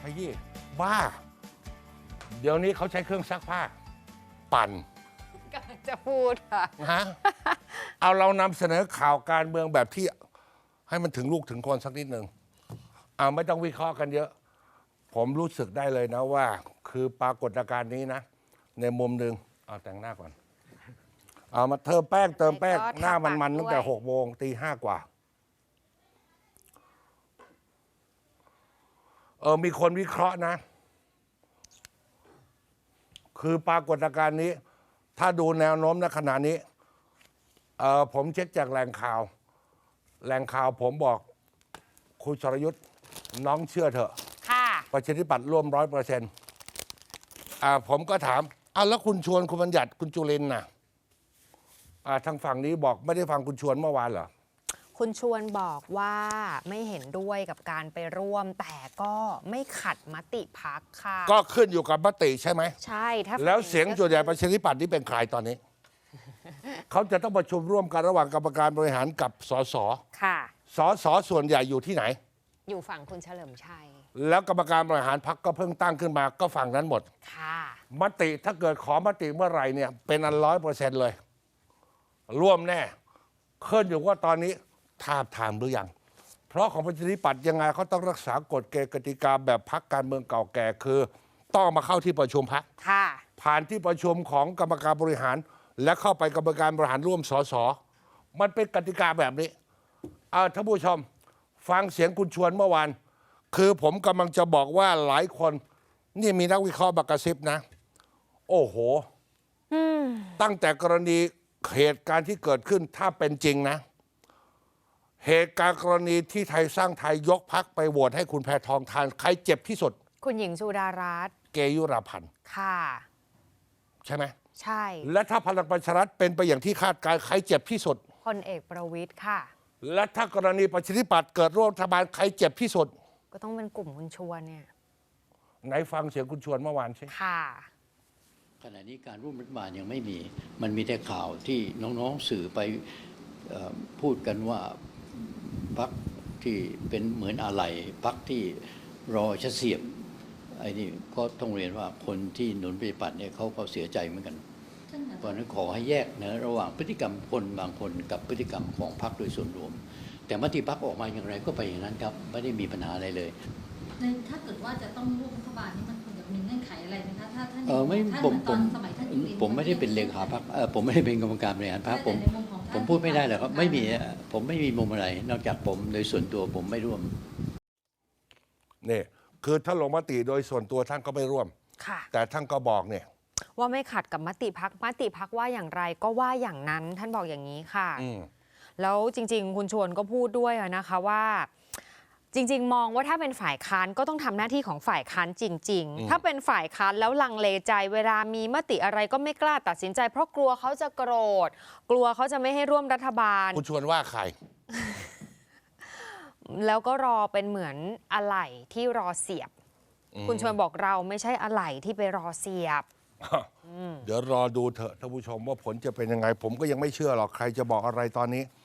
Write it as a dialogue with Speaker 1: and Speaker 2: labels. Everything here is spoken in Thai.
Speaker 1: ขยี้บ้า เดี๋ยวนี้เขาใช้เครื่องซักผ้า ปั่น
Speaker 2: กำลังจะพูดค่ะ
Speaker 1: ฮะ เอาเรานำเสนอข่าวการเมืองแบบที่ให้มันถึงลูกถึงคนสักนิดหนึ่งไม่ต้องวิเคราะห์กันเยอะ ผมรู้สึกได้เลยนะว่า คือปรากฏการณ์นี้นะ ในมุมหนึ่งเอาแต่งหน้าก่อน เอามาเติมแป้งหน้ามันตั้งแต่6 โมงตี 5 กว่า มีคนวิเคราะห์นะ คือปรากฏการณ์นี้ ถ้าดูแนวโน้มณขณะนี้ผมเช็คจากแหล่งข่าวผมบอกคุณชรยุทธ์น้องเชื่อเถอะ
Speaker 2: ค่ะ
Speaker 1: ประชาธิปัตย์ร่วม100%ผมก็ถามแล้วคุณชวนคุณบัญญัติคุณจุลินทร์น่ะทางฝั่งนี้บอกไม่ได้ฟังคุณชวนเมื่อวานเหรอ
Speaker 2: คุณชวนบอกว่าไม่เห็นด้วยกับการไปร่วม แต่ก็ไม่ขัดมติพรรคค่ะ
Speaker 1: ก็ขึ้นอยู่กับมติใช่ไหม
Speaker 2: ใช่ถ้า
Speaker 1: แล้วเสียงส่วนใหญ่ประชาธิปัตย์นี่เป็นใครตอนนี้ เขาจะต้องประชุมร่วมกันระหว่างกรรมการบริหารกับสส
Speaker 2: ค่ะ
Speaker 1: สสส่วนใหญ่อยู่ที่ไหน
Speaker 2: อยู่ฝั่งคุณเฉลิมชัย
Speaker 1: แล้วกรรมการบริหารพรรคก็เพิ่งตั้งขึ้นมาก็ฝั่งนั้นหมด
Speaker 2: ค่ะ
Speaker 1: มติถ้าเกิดขอมติเมื่อไหร่เนี่ยเป็นอัน100%เลย ร่วมแน่ขึ้นอยู่ว่าตอนนี้ทาบทามหรือยัง เพราะของประชาธิปัตย์ยังไงเขาต้องรักษากฎเกณฑ์กติกาแบบพรรคการเมืองเก่าแก่คือ ต้องมาเข้าที่ประชุมพรรค
Speaker 2: ค่ะ
Speaker 1: ผ่านที่ประชุมของกรรมการบริหาร และเข้าไปกรรมการบริหารร่วมสสมันเป็นกติกาแบบนี้ท่านผู้ชมฟังเสียงคุณชวนเมื่อวานคือผมกำลังจะบอกว่าหลายคนนี่มีนักวิเคราะห์บักกระซิบนะ โอ้โหตั้งแต่กรณีเหตุการณ์ที่เกิดขึ้นถ้าเป็นจริงนะ เหตุการณ์กรณีที่ไทยสร้างไทยยกพักไปโหวตให้คุณแพทองทานใครเจ็บที่สุด
Speaker 2: คุณหญิงสุดารัตน์
Speaker 1: เกยุราพันธ์
Speaker 2: ค่ะ
Speaker 1: ใช่ไหม
Speaker 2: ใช่
Speaker 1: และถ้าพลังประชารัฐเป็นไปอย่างที่คาดการณ์ใครเจ็บที่สุด
Speaker 2: พลเอกประวิตรค่ะ
Speaker 1: และถ้ากรณีประชาธิปัตย์เกิดร่วมรัฐบาลใครเจ็บที่สุด
Speaker 2: ก็ต้องเป็นกลุ่มคุณชวนเนี่ย
Speaker 1: ไหนฟังเสียงคุณชวนเมื่อวานใช่
Speaker 2: ค่ะ
Speaker 3: ขณะนี้การร่วมรัฐบาลยังไม่มี มันมีแต่ข่าวที่น้องๆสื่อไปพูดกันว่าพรรคที่เป็นเหมือนอะไรพรรคที่รอจะเสียบไอ้นี่ก็ต้องเรียนว่าคนที่หนุนปฏิปัติเนี่ยเขาก็เสียใจเหมือนกันเพราะฉะนั้นขอให้แยกนะระหว่างพฤติกรรมคนบางคนกับพฤติกรรมของพรรคโดยส่วนรวม แต่มติพรรคออกมาอย่างไรก็ไปอย่างนั้นครับไม่ได้มีปัญหาอะไรเลย
Speaker 4: ถ้าเกิดว่าจะต้องร่วมรัฐบาลนี่มันควรจะมีเงื่อนไขอะไรไหมคะถ้าท่าน
Speaker 3: ไม่
Speaker 4: ท่าน
Speaker 3: ผม
Speaker 4: ตอนสมัยท่านจุลินทร์
Speaker 3: ผมไม่ได้เป็นเลขาพรรคผมไม่ได้เป็นกรรมการบริหารพรรคผม
Speaker 4: แต่ในมุมของท่าน
Speaker 3: ผมพูดไม่ได้หรอกครับไม่มีผมไม่มีมุมอะไร นอกจากผมโดยส่วนตัวผมไม่ร่วม
Speaker 1: นี่คือถ้าลงมติโดยส่วนตัวท่านก็ไม่ร่วม
Speaker 2: ค่ะ
Speaker 1: แต่ท่านก็บอกเนี่ย
Speaker 2: ว่าไม่ขัดกับมติพักว่าอย่างไรก็ว่าอย่างนั้น ท่านบอกอย่างนี้ค่ะ แล้วจริงๆ คุณชวนก็พูดด้วยนะคะว่า จริงๆ มองว่าถ้าเป็นฝ่ายค้านก็ต้องทำหน้าที่ของฝ่ายค้านจริง ๆ ถ้าเป็นฝ่ายค้านแล้วลังเลใจเวลามีมติอะไรก็ไม่กล้าตัดสินใจ เพราะกลัวเขาจะโกรธ กลัวเขาจะไม่ให้ร่วมรัฐบาล
Speaker 1: คุณชวนว่าใคร
Speaker 2: แล้วก็รอเป็นเหมือนอะไหล่ที่รอเสียบ คุณชวนบอกเราไม่ใช่อะไหล่ที่ไปรอเสียบ
Speaker 1: เดี๋ยวรอดูเถอะท่านผู้ชมว่าผลจะเป็นยังไง ผมก็ยังไม่เชื่อหรอกใครจะบอกอะไรตอนนี้